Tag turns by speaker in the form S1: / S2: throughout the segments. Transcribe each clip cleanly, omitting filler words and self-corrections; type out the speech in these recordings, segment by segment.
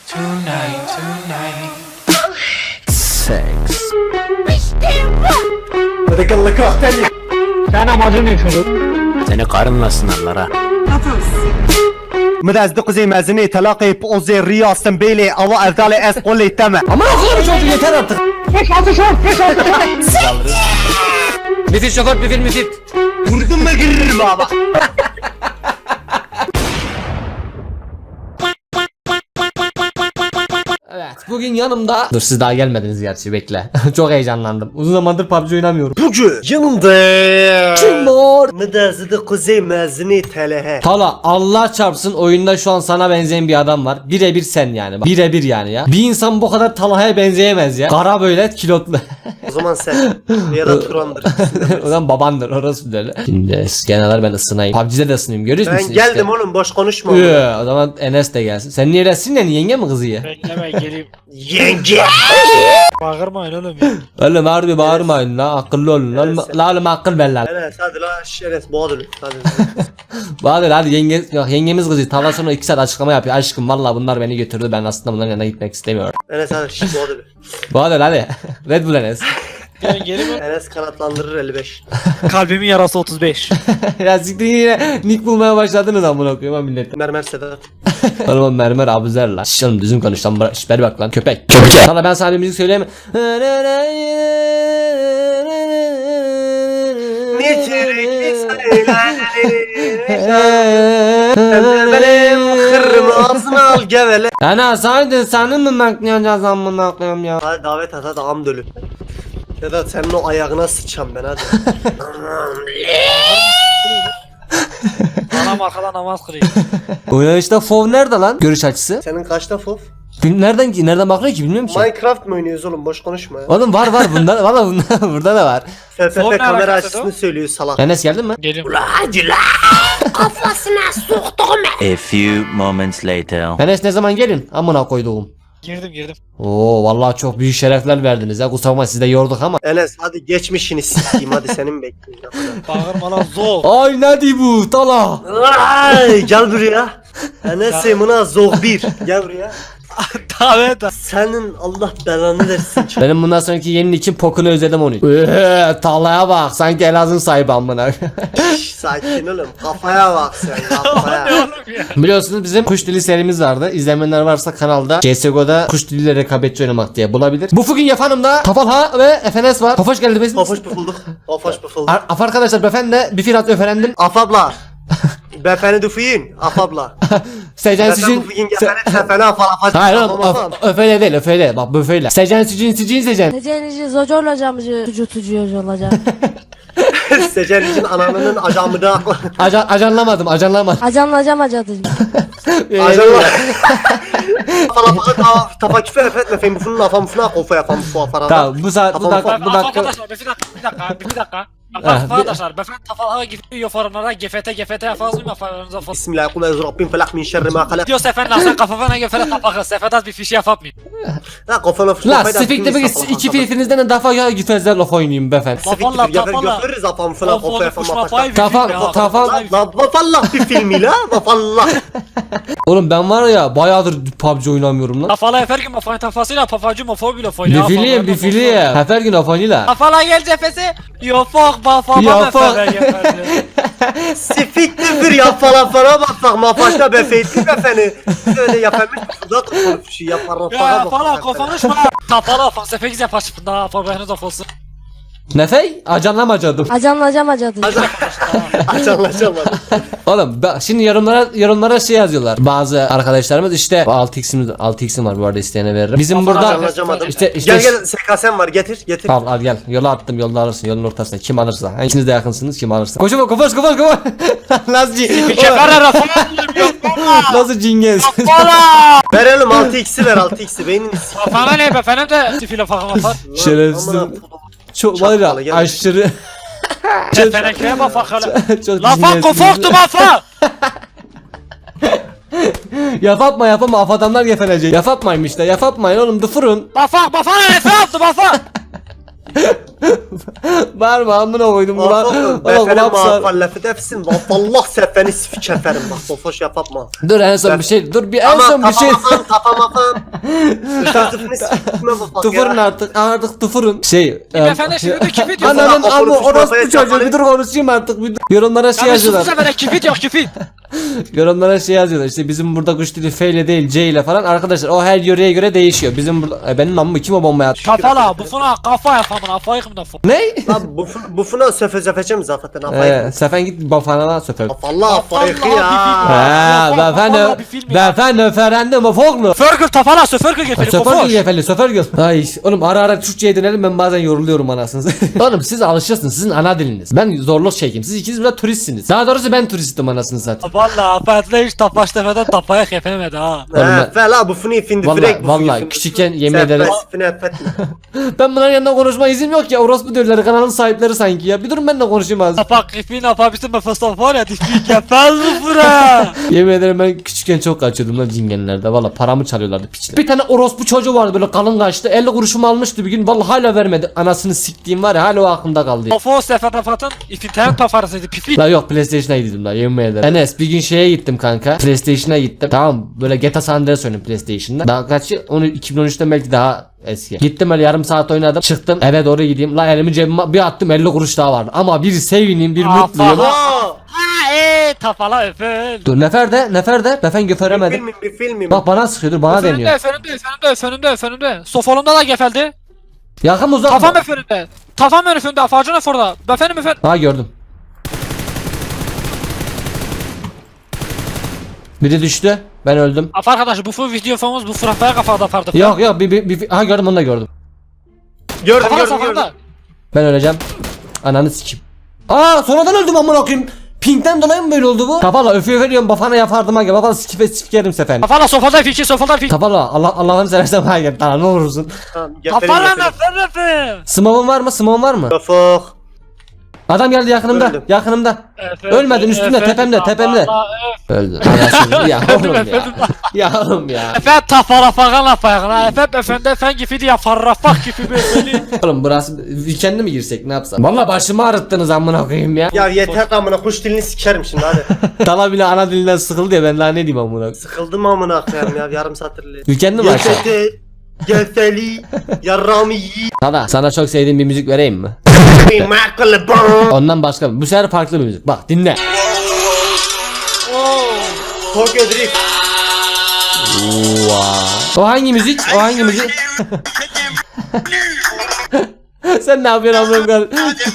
S1: Sex.
S2: Sen amacın ne çocuk?
S1: Seni karınla sınarlar ha.
S3: مدازدق زي مازني تلاقي بوزي رياض سنبيلي او افضل اس قولي تمام
S1: Ama okuyalım çocuğu yeter artık.
S2: 5-6 şort 5-6
S1: Müfit şoför müfit.
S3: vurdum mu giririm baba.
S1: Evet. Bugün yanımda... Dur siz daha gelmediniz gerçi bekle. Çok heyecanlandım. Uzun zamandır PUBG oynamıyorum.
S3: Bugün yanımda
S1: Kim var?
S3: مدازدق زي مازني تلاها
S1: Tala Allah çarpsın oyunda şu an sana benzeyen bir adam var. Birebir sen yani. Bak, birebir yani ya. Bir insan bu kadar Talha'ya benzeyemez ya. Kara böyle kilotlu.
S3: O zaman sen ya da Turan'dır.
S1: O zaman babandır orası böyle. Şimdi genel ben ısınayım. PUBG'de de ısınayım görüyor musun?
S3: Ben geldim oğlum boş konuşma.
S1: O zaman Enes de gelsin. Sen niye resim ne? Yenge mi kızı ya?
S2: Bekleme geleyim.
S3: Yenge.
S2: Bağırmayın oğlum ya.
S1: Oğlum harbi bağırmayın la akıllı olun lan. La oğlum akıl ver lan.
S3: Evet hadi la şeref boğdur. Hadi.
S1: Bahadır hadi yengemiz kızı. Tavla sonra 2 saat açıklama yapıyor. Aşkım vallahi bunlar beni götürdü. Ben aslında bunların yanına gitmek istemiyorum.
S3: Enes hadi şş boğdur.
S1: Bahadır hadi. Red Bull Enes.
S2: Ben geleyim mi?
S3: Enes kanatlandırır 55.
S2: Kalbimin yarası 35.
S1: Ya siktir yine nick bulmaya başladınız amına koyayım ha millet.
S3: Mermer Sedat.
S1: Oğlum mermer abuzer lan. Şş oğlum düzgün konuş lan. Şş ver bak lan köpek. Köpek. Sana ben sana bir müzik söyleyeyim mi?
S3: Benim kırmızı ağzını al gevele.
S1: Ana sadece senin mi makyajı amına koyayım ya?
S3: Hadi davet at hadi am dölü. Sedat senin o ayağına sıçacağım ben hadi.
S2: Anam arkadan namaz kılıyor.
S1: Oynayışta fov nerede lan? Görüş açısı.
S3: Senin kaçta fof?
S1: Nereden bakıyor ki bilmiyorum ki.
S3: Minecraft mı oynuyoruz oğlum boş konuşma ya.
S1: Oğlum var bunda valla burada da var.
S3: FFP
S2: Fon ne
S3: kamera
S2: alakası
S3: açısını
S2: o?
S3: söylüyor salak.
S1: Enes geldin mi?
S2: Gelin.
S4: A few moments later.
S1: Enes ne zaman gelin? Amına koyduğum.
S2: Girdim.
S1: Oo vallahi çok büyük şerefler verdiniz ya. Kusura bakma sizi de yorduk ama.
S3: Enes hadi geçmişini sikeyim hadi senin bekliyorum.
S2: Bağırma lan zor.
S1: Ay ne di bu tala.
S3: Ay gel buraya. Enes Emına zor bir. Gel buraya.
S2: Davet at.
S3: Senin Allah belanı versin.
S1: Benim bundan sonraki yeni için pokunu özledim onu. Talaya bak sanki Elazığ sahibi amına.
S3: Şşş, sakin oğlum kafaya bak sen kafaya.
S2: Oğlum ya.
S1: Biliyorsunuz bizim kuş dili serimiz vardı. İzlemeyenler varsa kanalda CSGO'da kuş diliyle rekabetçi oynamak diye bulabilir. Bu bugün yapanımda Tafalha ve FNS var. Tofaş geldi bizim.
S3: Pafoş pıfıldık. Pafoş pıfıldık.
S1: Af arkadaşlar befendi bir firat öferendim.
S3: Afabla. Befeni dufiyin. Afabla.
S1: Secen
S3: Befeni
S1: sizin.
S3: dufiyin gefeni sefeni afal.
S1: Hayır oğlum öfele değil öfele bak böyle. Secen sizin secen.
S5: Necenici zocor olacağımızı tutucu olacak.
S3: Secen için ananının acamıda.
S1: Ajanlamadım.
S5: Acanlayacağım acadıcım.
S3: Ajanla. Afal tafa küfe efetme fen bufunun afam funa kofa yapam bu afara.
S1: Tamam bu saat bu dakika.
S2: Arkadaşlar bir dakika. Arkadaşlar ben tafalha gidiyor forumlara GFT yapazım yaparınıza falan.
S3: Bismillah kul ezu rabbim felak min şerri ma halak.
S2: Diyor sefer sen kafana GFT tapakı seferdas bir fişi yapmayın.
S3: La kafana fışma
S1: La sifikte bir iki filfinizden daha ya gitmezler laf oynayayım befendi.
S2: Vallahi tafalla.
S3: Götürürüz afam fına kofa yapam. Vafallah bir filmi la vafallah.
S1: Oğlum ben var ya bayağıdır PUBG oynamıyorum lan.
S2: Tafala yaparken mafayın tafasıyla pafacı mafobiyle
S1: Bir film. Her gün afanıyla.
S2: Tafala gel cephesi. Yofok bafama
S1: Yofok.
S3: Sifiktir bir ya falan bak mafaşta befeytli befeni. Öyle yaparmış da konuşu yaparlar
S2: Ya falan konuşma. Tafala falsefe güzel paşıpında haberiniz olsun.
S1: Nefey? Acanlamacadım.
S5: Acanlayacağım acadıcım.
S3: Açanlaşamadım.
S1: Oğlum şimdi yorumlara şey yazıyorlar. Bazı arkadaşlarımız işte 6x'im var bu arada isteyene veririm. Bizim burada
S3: Açanlaşamadım.
S1: işte
S3: Gel SKS'm var getir.
S1: al gel. Yola attım yolda alırsın yolun ortasına. Kim alırsa. Yani ikiniz de yakınsınız kim alırsa. Koşma koş. Nasıl Nasıl cingez.
S3: Verelim 6x'i ver 6x'i beynini
S2: Kafana ne be efendim de tifile fakama fak.
S1: Şerefsiz. Çok var
S3: Çakmalı,
S1: ya
S3: gel.
S1: aşırı.
S2: Tenekeye bak fakala.
S1: Çok
S2: Lafa
S1: cingezsiniz.
S2: kofoktu mafa.
S1: Yapma af adamlar gefelecek. Yapmayın işte yapmayın oğlum dıfırın.
S2: Mafa ne efe yaptı mafa.
S1: Bağırma amına koydum ulan.
S3: Oğlum
S1: Ulan
S3: befene
S1: kulak sar.
S3: muhallefet efsin. Allah sefeni sifik eferim bak bofoş yapma.
S1: Dur en son bir şey. Dur bir en
S3: Ama
S1: son bir şey.
S3: tapamafam. Sırtıfını sikme bak
S1: Tufurun
S3: ya.
S1: artık tufurun. Şey.
S2: Efendim şimdi kim video?
S1: Ananın
S3: Sonra
S1: amı
S3: oturmuş
S1: orospu
S3: kafaya
S1: çocuğu
S3: çarpar.
S1: bir dur konuşayım artık bir dur. Yorumlara şey
S2: Ya
S1: yazıyorlar.
S2: sus efendim küfür yok küfür.
S1: Yorumlara şey yazıyorlar işte bizim burada kuş dili F ile değil C ile falan. Arkadaşlar o her yöreye göre değişiyor. Bizim burada benim amımı kim o bombaya attı?
S2: Kafala bu funa kafa yapamın afayı kımda fu.
S1: Ne?
S3: Lan bufuna söfeceğim zaten afayı.
S1: Sefen git bafana söfer.
S3: Allah afayı ya.
S1: Ha,
S2: Vallahi bir film ya.
S1: beyefendi öferendim o foglu.
S2: Fergal tafala söfergal gefeli
S1: Söfer
S2: kofoş.
S1: gül efendim söfer gül. Ay oğlum ara Türkçe'ye dönelim ben bazen yoruluyorum anasınız. Oğlum siz alışırsınız sizin ana diliniz. Ben zorluk çekeyim siz ikiniz biraz turistsiniz. Daha doğrusu ben turistim anasını satayım.
S2: Valla afetle hiç tapaş tefeden tapaya kefemedi ha.
S3: He fela bufunu findi frek
S1: Vallahi küçükken yemin ederim.
S3: Etme.
S1: Ben bunların yanında konuşma izin yok ya. Orospu diyorlar kanalın sahipleri sanki ya. Bir durun ben de konuşayım az.
S2: Tapak kefin apabilsin be fıstan var ya dişliği kefez bu fura.
S1: Yemin ederim ben küçükken çok kaçıyordum lan cingenlerde. Valla paramı çalıyorlardı piçler. Bir tane orospu çocuğu vardı böyle kalın kaçtı. 50 kuruşumu almıştı bir gün. Valla hala vermedi. Anasını siktiğim var ya hala o aklımda kaldı.
S2: Kofo sefer tafatın ifinternet tafarısıydı pipi.
S1: La yok PlayStation'a gittim la yemin ederim. Enes bir gün şeye gittim kanka. PlayStation'a gittim. Tamam böyle GTA San Andreas oynadım PlayStation'da. Daha kaçı? Onu 2013'te belki daha eski. Gittim öyle yarım saat oynadım. Çıktım eve doğru gideyim. La elimi cebime bir attım 50 kuruş daha vardı. Ama bir sevineyim bir mutluyum.
S3: Aa,
S2: Ha tafala öpün.
S1: Dur neferde. Befen göferemedim.
S3: bir filmim.
S1: Bak bana sıkıyordur bana deniyor.
S2: Efendim. Sofolumda da gefeldi.
S1: Yakın uzak.
S2: Kafam efendim. Kafam önünde afacın eforda. Efendim.
S1: Ha gördüm. Biri düştü. Ben öldüm.
S2: Af arkadaş bu video famız bu fırafaya kafada fardı.
S1: Yok ha gördüm onu da gördüm.
S3: Gördüm.
S1: Ben öleceğim. Ananı sikeyim. Aa sonradan öldüm amına koyayım. Pinkten dolayı mı böyle oldu bu? Kafala öfüyorum bafana yapardım ha gel. Kafala sikerim sefen.
S2: Kafala sofada fiki.
S1: Kafala Allah'ını seversen ha gel. Tamam ne olursun.
S2: Kafala efendim.
S1: Smoke'un var mı? Smoke'un var mı?
S3: Kafok.
S1: Adam geldi yakınımda.
S3: Öldüm.
S1: Yakınımda. Ölmedin üstümde tepemde. Öldü. Anasını ya oğlum ya. Ya oğlum ya.
S2: Efendim tafala falan afayağına. Efendim gifidi ya farrafak gibi böyle.
S1: Oğlum burası weekend'e mi girsek ne yapsam? Valla başımı ağrıttınız amına koyayım ya.
S3: Ya yeter amına kuş dilini sikerim şimdi hadi.
S1: Tala bile ana dilinden sıkıldı ya ben daha ne diyeyim amına.
S3: Sıkıldım amına koyayım ya yarım satırlı.
S1: Weekend'e mi açsak?
S3: Yesete gelseli yarramı yi.
S1: Tala sana çok sevdiğim bir müzik vereyim mi? Ondan başka bu sefer farklı bir müzik. Bak dinle.
S3: Tokyo Drift.
S1: O hangi müzik? Sen ne yapıyorsun amına koyayım?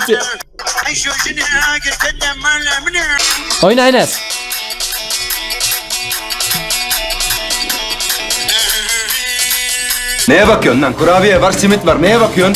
S1: Oyna Enes.
S6: Neye bakıyorsun lan? Kurabiye var, simit var. Neye bakıyorsun?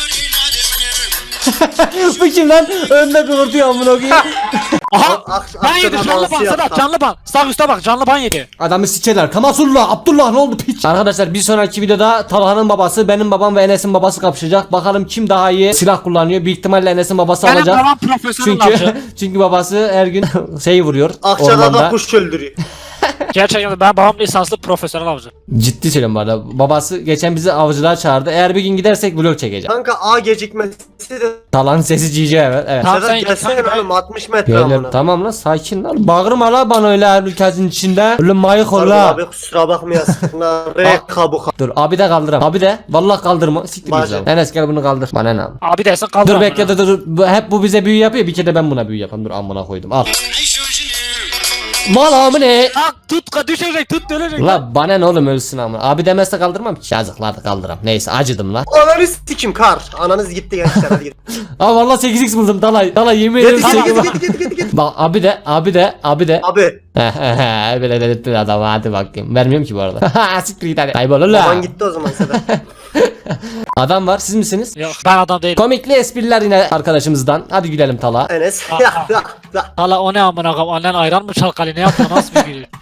S1: Bu kim lan? Önde kıvırtıyor amına koyayım.
S2: Aha. Ben yedim
S3: Akşam
S2: canlı ban
S3: anonsu
S2: Sedat
S3: yaptım.
S2: canlı ban. Sağ üstte bak canlı ban yedi.
S1: Adamı sikerler. Kamasullah, Abdullah ne oldu piç? Arkadaşlar bir sonraki videoda Talha'nın babası, benim babam ve Enes'in babası kapışacak. Bakalım kim daha iyi silah kullanıyor. Büyük ihtimalle Enes'in babası
S2: Benim
S1: alacak.
S2: babam profesyonel avcı.
S1: Çünkü babası her gün şey vuruyor
S3: Akçada da
S1: ormanda.
S3: kuş öldürüyor.
S2: Gerçekten ben babam lisanslı profesyonel avcı.
S1: Ciddi söylüyorum bu arada. Babası geçen bizi avcılığa çağırdı. Eğer bir gün gidersek vlog çekeceğim.
S3: Kanka A gecikmesi de
S1: Talha'nın sesi cici evet.
S2: Tamam, sen
S3: Sedat
S2: git,
S3: gelsene
S2: kanka.
S3: oğlum 60 metre
S1: Beyler,
S3: amına.
S1: tamam lan sakin lan. Bağırma la bana öyle her ülkenin içinde. Öyle mayık ol
S3: Pardon
S1: la.
S3: abi kusura bakmayasın. Re kabuk.
S1: Dur abi de kaldıram. Abi de vallahi kaldırma. Siktir
S3: Bacı.
S1: güzel. Enes gel bunu kaldır. Bana ne abi?
S2: Abi dersen kaldır.
S1: Dur
S2: amına.
S1: bekle dur. Hep bu bize büyü yapıyor. Bir kere de ben buna büyü yapayım. Dur amına koydum. Al. Mal amı ne?
S2: Lan tut düşecek tut dönecek.
S1: La bana ne oğlum ölsün amına. Abi demezse kaldırmam ki. Yazıklar da kaldıram. Neyse acıdım la.
S3: Ananı sikim kar. Ananız gitti gençler hadi git.
S1: Aa vallahi 8x buldum Dalay. Dalay yemin ederim
S3: Git
S1: 8x.
S3: git.
S1: Bak abi de.
S3: Abi
S1: Böyle dedirttin adamı hadi bakayım. Vermiyorum ki bu arada. Siktir git hadi. Kaybol la.
S3: baban gitti o zaman Sedat.
S1: Adam var siz misiniz?
S2: Yok ben adam değilim.
S1: Komikli espriler yine arkadaşımızdan. Hadi gülelim Tala.
S3: Enes.
S2: Hala o ne amına koyayım annen ayran mı çalkalı ne yaptı nasıl bir gülüyor.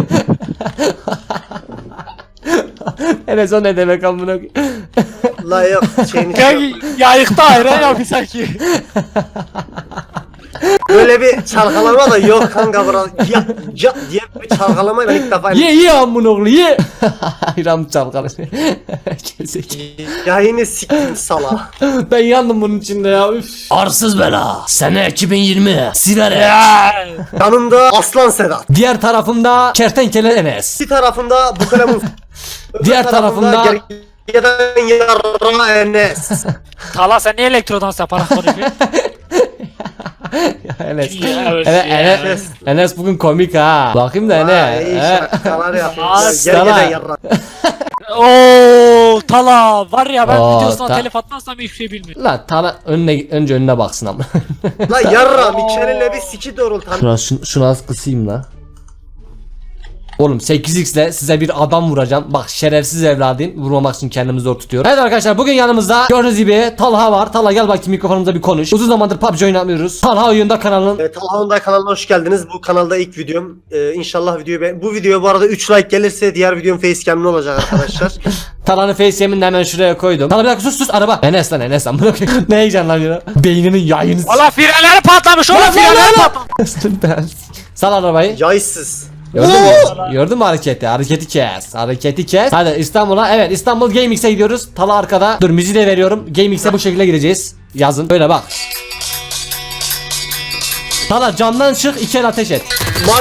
S1: Enes o ne demek amına koyayım.
S3: La yok şeyini
S2: Kanki yayıkta ayran yapıyor sanki.
S3: Böyle bir çalkalama da yok kanka bura. Ya diye bir çalkalama ben ilk defa
S1: Ye amına oğlu ye. İram çalkalı. Gezek.
S3: yayını siktim sala.
S1: Ben yandım bunun içinde ya. Üf. Arsız bela. Sene 2020. Siverek.
S3: Yanımda Aslan Sedat.
S1: Diğer tarafımda kertenkele Enes.
S3: Bir tarafında bu kalemun.
S1: Diğer tarafında
S3: gergedan yarra Enes.
S2: Tala sen niye elektrodans yaparak konuşuyorsun?
S1: Enes.
S2: Ya,
S1: Enes bugün komik ha. Bakayım da ne?
S3: İyi
S1: He?
S3: şakalar yapıyor.
S1: Aslan.
S3: Gergedan yarra.
S2: Ooo Tala var ya ben
S1: Oo,
S2: videosuna telif atmazsam hiçbir şey bilmiyorum.
S1: La tala önce önüne baksın ama.
S3: La yarra Mikelin'le bir siki doğrultan.
S1: Şunu az kısayım la. Oğlum 8x ile size bir adam vuracağım. Bak şerefsiz evladıyım. Vurmamak için kendimi zor tutuyorum. Evet arkadaşlar bugün yanımızda gördüğünüz gibi Talha var. Talha gel bakayım mikrofonumuza bir konuş. Uzun zamandır PUBG oynamıyoruz. Talha oyunda kanalının.
S3: Talha'nın kanalına hoş geldiniz. Bu kanalda ilk videom. İnşallah bu videoya bu arada 3 like gelirse diğer videom facecam'li olacak arkadaşlar.
S1: Talha'nın facecam'ini de hemen şuraya koydum. Talha bir dakika sus araba. Enes lan bırakın. Ne heyecanlanıyor? Beyninin yayını.
S2: Valla frenleri patlamış oğlum frenleri patlamış.
S1: Sal arabayı.
S3: Yaysız.
S1: Gördün mü? Gördün mü hareketi? Hareketi kes. Hadi İstanbul'a. Evet İstanbul GameX'e gidiyoruz. Talha arkada. Dur müziği de veriyorum. GameX'e bu şekilde gireceğiz. Yazın. Böyle bak. Talha camdan çık 2 el ateş et.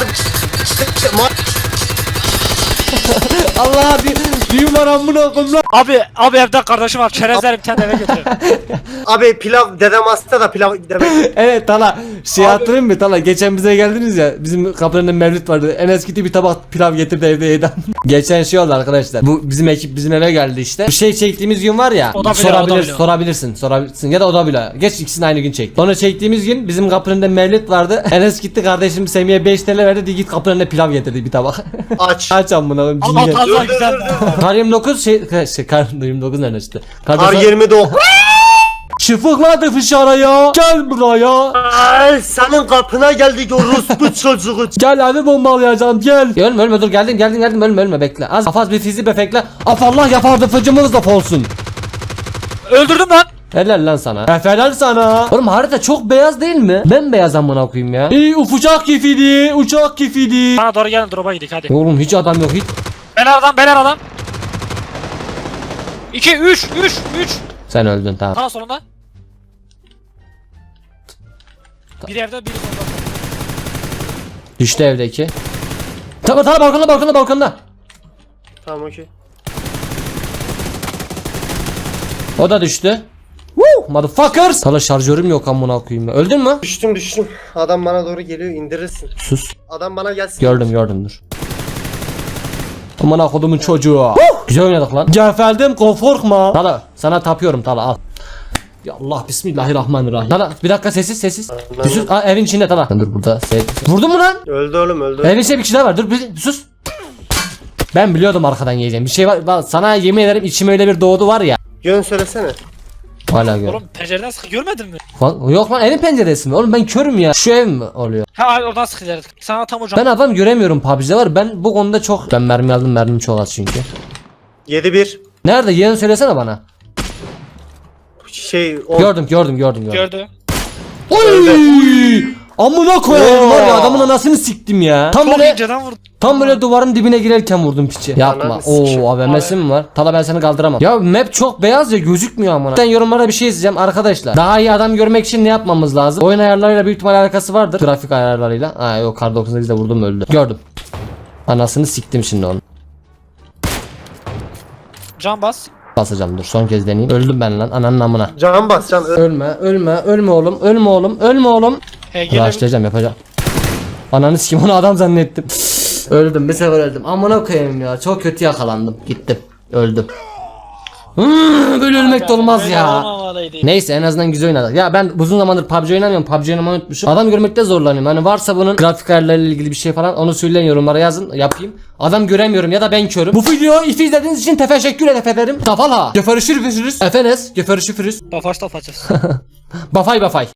S1: Allah bir var amına koyayım lan.
S2: Abi evde kardeşim var çerezlerim kendi eve götürüyorum.
S3: Abi pilav dedem hasta da pilav demek.
S1: Evet Talha şey hatırlayayım mı Talha geçen bize geldiniz ya bizim kapının önünde mevlüt vardı en eski bir tabak pilav getirdi evde yedi. Geçen şey oldu arkadaşlar bu bizim ekip bizim eve geldi işte bu şey çektiğimiz gün var ya
S2: O da bile.
S1: sorabilirsin ya da o da bile geç ikisini aynı gün çekti. Sonra çektiğimiz gün bizim kapının önünde mevlüt vardı Enes gitti kardeşim Semih'e 5 TL verdi git kapının önünde pilav getirdi bir tabak.
S3: Aç.
S1: Amına koyayım
S2: Ama
S1: cinnet.
S2: fazla güzel.
S1: Kar 29 kar 29 nerede işte?
S3: Kar 29.
S1: Çıfıkladı fışaraya. Gel buraya.
S3: Ay senin kapına geldik o Rusbu çocuğu.
S1: Gel abi bombalayacağım gel. Ölme dur geldim ölme bekle. Az hafaz bir fizi befekle. Afallah yapardı fıcımız da olsun.
S2: Öldürdüm lan.
S1: Helal lan sana. Helal sana. Oğlum harita çok beyaz değil mi? Ben beyaz amına koyayım ya. Uçak kifidi.
S2: Bana doğru gelin drop'a gidik hadi.
S1: Oğlum hiç adam yok hiç.
S2: Beler adam. 2 3 3
S1: Sen öldün tamam.
S2: Sağ solunda. Biri evde biri solda.
S1: Düştü evdeki. Tamam balkonda.
S3: Tamam okey.
S1: O da düştü. Woo motherfuckers. Sana şarjörüm yok amına koyayım ya. Öldün mü?
S3: Düştüm. Adam bana doğru geliyor indirirsin.
S1: Sus.
S3: Adam bana gelsin.
S1: Gördüm dur. Aman kodumun çocuğu. Güzel oynadık lan. Gefeldim korkma. Tala sana tapıyorum Tala al. Ya Allah bismillahirrahmanirrahim. Tala bir dakika sessiz. Bir sus. Aa, evin içinde Tala. Dur burada. Vurdun mu lan?
S3: Öldü oğlum öldü.
S1: Evin içinde bir kişi daha var. Dur bir sus. Ben biliyordum arkadan yiyeceğim. Bir şey var. Bak, sana yemin ederim içime öyle bir doğdu var ya.
S3: Yön söylesene.
S1: Hala gör.
S2: Oğlum pencereden sıkı görmedin mi?
S1: Yok lan evin penceresi mi? Oğlum ben körüm ya. Şu ev mi oluyor?
S2: Ha oradan sıkacağız. Sana tam hocam.
S1: Ben adam göremiyorum PUBG'de var. Ben bu konuda çok... Ben mermi aldım mermim çok az çünkü.
S3: 7-1.
S1: Nerede? Yerini söylesene bana.
S3: O...
S1: Gördüm.
S2: Gördü.
S1: Oy! Amına koyayım
S3: Oo.
S1: var ya adamın anasını siktim ya. Tam
S2: Çok
S1: böyle
S2: inceden vurdu.
S1: tam böyle duvarın dibine girerken vurdum piçi. Yapma.
S3: Ananı sikeyim.
S1: Oo AVM'si mi var? Tala ben seni kaldıramam. Ya map çok beyaz ya gözükmüyor amına. Ben yorumlara bir şey yazacağım arkadaşlar. Daha iyi adam görmek için ne yapmamız lazım? Oyun ayarlarıyla büyük ihtimal alakası vardır. Grafik ayarlarıyla. Ha yok kar 98'de vurdum öldü. Gördüm. Anasını siktim şimdi onu.
S2: Can bas.
S1: Basacağım dur son kez deneyeyim. Öldüm ben lan ananın amına.
S3: Can bas can.
S1: Ölme oğlum. Rushlayacağım yapacağım. Ananı sikeyim onu adam zannettim. Öldüm bir sefer öldüm. Amına koyayım ya çok kötü yakalandım. Gittim. Öldüm. Böyle ölmek de olmaz ya. Neyse en azından güzel oynadık. Ya ben uzun zamandır PUBG oynamıyorum. PUBG oynamayı unutmuşum. Adam görmekte zorlanıyorum. Hani varsa bunun grafik ayarlarıyla ilgili bir şey falan onu söyleyin yorumlara yazın yapayım. Adam göremiyorum ya da ben körüm. Bu videoyu izlediğiniz için teşekkür ederim. Tafala. Görüşürüz. Efenes. Görüşürüz.
S2: Tafaş tafacağız.
S1: Bafay.